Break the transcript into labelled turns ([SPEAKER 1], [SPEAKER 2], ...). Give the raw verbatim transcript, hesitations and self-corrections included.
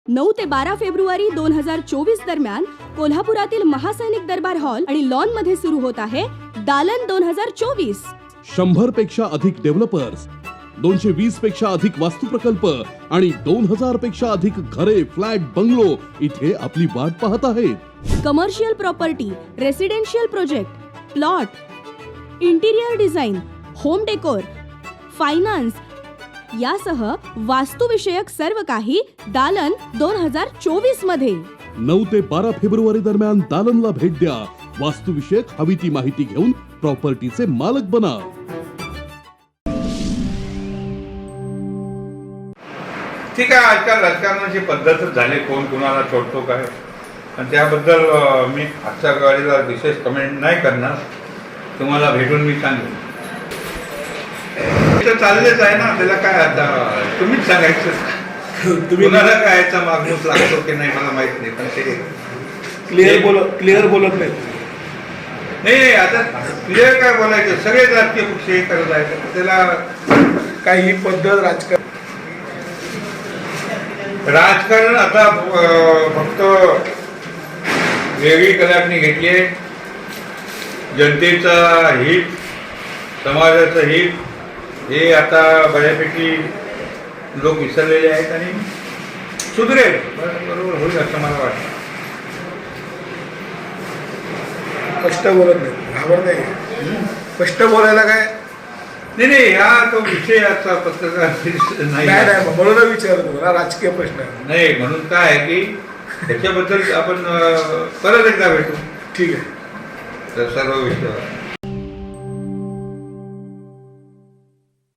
[SPEAKER 1] नऊ ते बारा फेब्रुवारी दोन हजार चोवीस दरम्यान कोल्हापुरातील महासैनिक दरबार हॉल आणि लॉन मध्ये सुरू होत आहे दालन दोन हजार चोवीस.
[SPEAKER 2] शंभर पेक्षा अधिक डेव्हलपर्स, दोनशे वीस पेक्षा अधिक वास्तू प्रकल्प आणि दोन हजार पेक्षा अधिक घरे, फ्लॅट, बंगलो इथे आपली वाट पाहत आहेत.
[SPEAKER 1] Commercial property, residential project, plot, interior design, home decor, finance यासह वास्तुविषयक सर्व काही दालन दोन हजार चोवीस मध्ये.
[SPEAKER 2] नऊ ते बारा फेब्रुवारी दरम्यान दालनला भेट द्या. वास्तुविषयक हवी ती माहिती घेऊन प्रॉपर्टीचे मालक बना.
[SPEAKER 3] ठीक आहे, आजकाल राजकारणाची पद्धतच झाली, कोण कुणाला सोडतो काय, आणि त्याबद्दल मी आजच्या गाडीला विशेष कमेंट नाही करणार. तुम्हाला भेटून मी सांगेन. तर चाललेच आहे ना, त्याला काय आता तुम्हीच सांगायचं. तुम्हाला काय याचा मागणूक लागतो की नाही मला माहित नाही, पण ते
[SPEAKER 4] क्लिअर बोल क्लिअर बोलत नाही.
[SPEAKER 3] नाही आता क्लिअर काय बोलायचं, सगळे राजकीय पक्ष हे करत आहेत. त्याला
[SPEAKER 4] काही पद्धत राजकारण
[SPEAKER 3] राजकारण आता फक्त वेगळी कलाटणी घेतली आहे. जनतेचा हित, समाजाचं हित हे आता बऱ्यापैकी लोक विसरलेले आहेत आणि सुधरेल, बरोबर होईल असं मला वाटतं.
[SPEAKER 4] स्पष्ट बोलत नाही, घाबर नाही. स्पष्ट बोलायला काय
[SPEAKER 3] नाही नाही हा तो विषय आजचा पत्रकार नाही
[SPEAKER 4] नाही नाही म्हणून विचारतो ना, राजकीय प्रश्न आहे.
[SPEAKER 3] नाही. म्हणून काय आहे की त्याच्याबद्दल आपण परत एकदा भेटू.
[SPEAKER 4] ठीक आहे.
[SPEAKER 3] तर सर्व विषय